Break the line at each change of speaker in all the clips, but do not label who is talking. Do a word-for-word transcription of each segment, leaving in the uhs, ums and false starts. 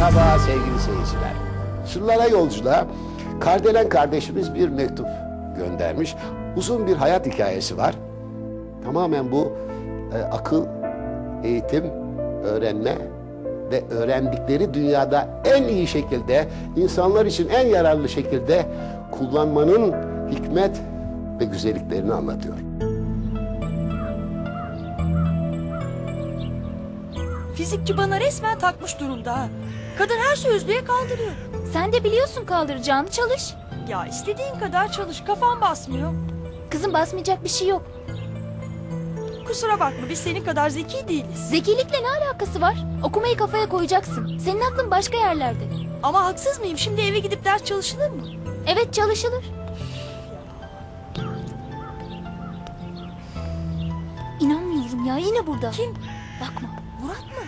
Merhaba sevgili seyirciler. Sırlara yolculuğa Kardelen kardeşimiz bir mektup göndermiş. Uzun bir hayat hikayesi var. Tamamen bu e, akıl, eğitim, öğrenme ve öğrendikleri dünyada en iyi şekilde, insanlar için en yararlı şekilde kullanmanın hikmet ve güzelliklerini anlatıyor.
Fizikçi bana resmen takmış durumda ha. Kadın her sözlüğe kaldırıyor.
Sen de biliyorsun kaldıracağını, çalış.
Ya istediğin kadar çalış, kafam basmıyor.
Kızım, basmayacak bir şey yok.
Kusura bakma, biz senin kadar zeki değiliz.
Zekilikle ne alakası var? Okumayı kafaya koyacaksın. Senin aklın başka yerlerde.
Ama haksız mıyım? Şimdi eve gidip ders çalışılır mı?
Evet, çalışılır. İnanmıyorum ya, yine burada.
Kim?
Bakma.
Murat mı?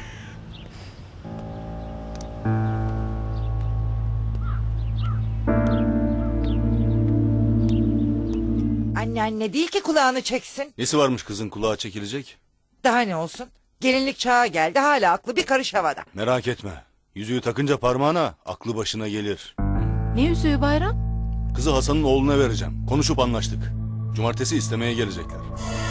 Anne anne değil ki kulağını çeksin.
Nesi varmış kızın kulağa çekilecek?
Daha ne olsun? Gelinlik çağı geldi, hala aklı bir karış havada.
Merak etme. Yüzüğü takınca parmağına aklı başına gelir.
Ne yüzüğü Bayram?
Kızı Hasan'ın oğluna vereceğim. Konuşup anlaştık. Cumartesi istemeye gelecekler.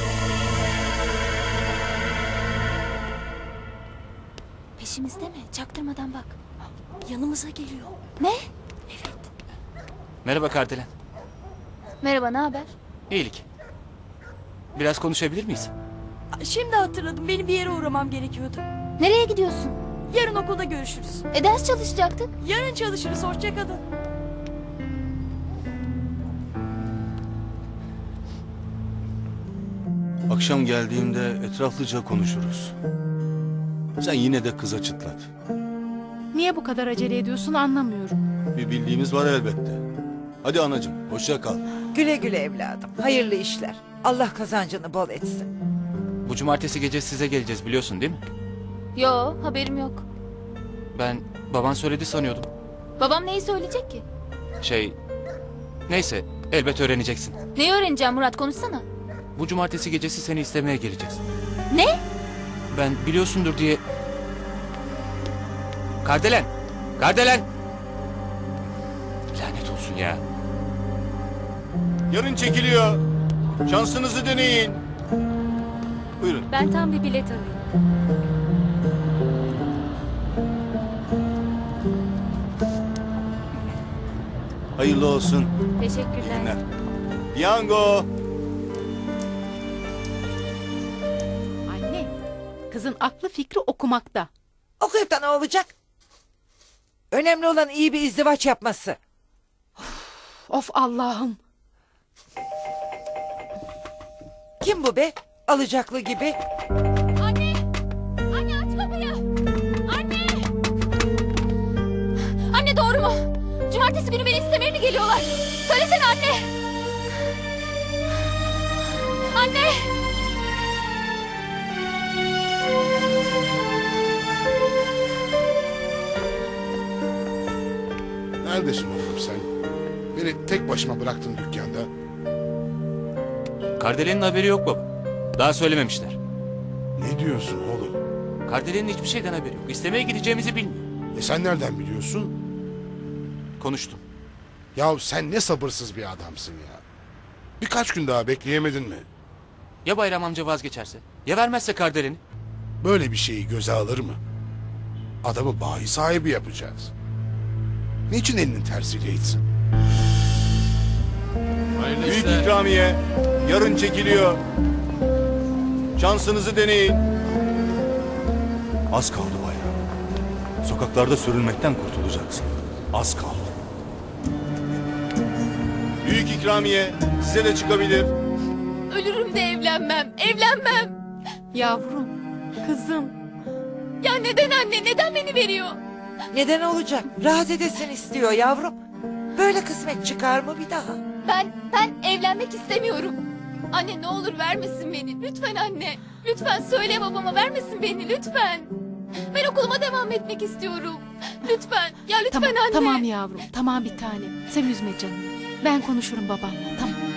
Peşimizde mi? Çaktırmadan bak.
Yanımıza geliyor.
Ne?
Merhaba Kardelen.
Merhaba, ne haber?
İyilik. Biraz konuşabilir miyiz?
Şimdi hatırladım, benim bir yere uğramam gerekiyordu.
Nereye gidiyorsun?
Yarın okulda görüşürüz.
E ders çalışacaktık.
Yarın çalışırız, hoşça kalın.
Akşam geldiğimde etraflıca konuşuruz. Sen yine de kıza çıtlat.
Niye bu kadar acele ediyorsun anlamıyorum.
Bir bildiğimiz var elbette. Hadi anacığım, hoşça kal.
Güle güle evladım, hayırlı işler. Allah kazancını bol etsin.
Bu cumartesi gece size geleceğiz biliyorsun değil mi?
Yo, haberim yok.
Ben baban söyledi sanıyordum.
Babam neyi söyleyecek ki?
Şey... Neyse elbet öğreneceksin.
Neyi öğreneceğim Murat, konuşsana.
Bu cumartesi gecesi seni istemeye geleceğiz.
Ne?
Ben biliyorsundur diye... Kardelen! Kardelen! Lanet olsun ya.
Yarın çekiliyor. Şansınızı deneyin. Buyurun.
Ben tam bir bilet alayım.
Hayırlı olsun.
Teşekkürler.
Günler. Piyango.
Anne, kızın aklı fikri okumakta.
Okuyup da ne olacak? Önemli olan iyi bir izdivaç yapması.
Of Allah'ım.
Kim bu be? Alacaklı gibi.
Anne! Anne, aç kapıyı! Anne! Anne, doğru mu? Cumartesi günü beni istemeye mi geliyorlar? Söylesene anne! Anne!
Neredesin oğlum sen? Beni tek başıma bıraktın dükkanda.
Kardelen'in haberi yok baba. Daha söylememişler.
Ne diyorsun oğlum?
Kardelen'in hiçbir şeyden haberi yok. İstemeye gideceğimizi bilmiyor.
E sen nereden biliyorsun?
Konuştum.
Ya sen ne sabırsız bir adamsın ya. Birkaç gün daha bekleyemedin mi?
Ya Bayram amca vazgeçerse? Ya vermezse Kardelen'i?
Böyle bir şeyi göze alır mı? Adamı bayi sahibi yapacağız. Niçin elinin tersiyle itsin?
Büyük ikramiye. Yarın çekiliyor. Şansınızı deneyin. Az kaldı bayram. Sokaklarda sürünmekten kurtulacaksın. Az kaldı. Büyük ikramiye size de çıkabilir.
Ölürüm de evlenmem, evlenmem.
Yavrum, kızım.
Ya neden anne, neden beni veriyor?
Neden olacak? Rahat edesin istiyor yavrum. Böyle kısmet çıkar mı bir daha?
Ben, ben evlenmek istemiyorum. Anne, ne olur vermesin beni. Lütfen anne. Lütfen söyle babama, vermesin beni lütfen. Ben okuluma devam etmek istiyorum. Lütfen. Ya lütfen
Tamam,
anne.
tamam yavrum, tamam bir tane. Sen üzme canını. Ben konuşurum babanla, tamam.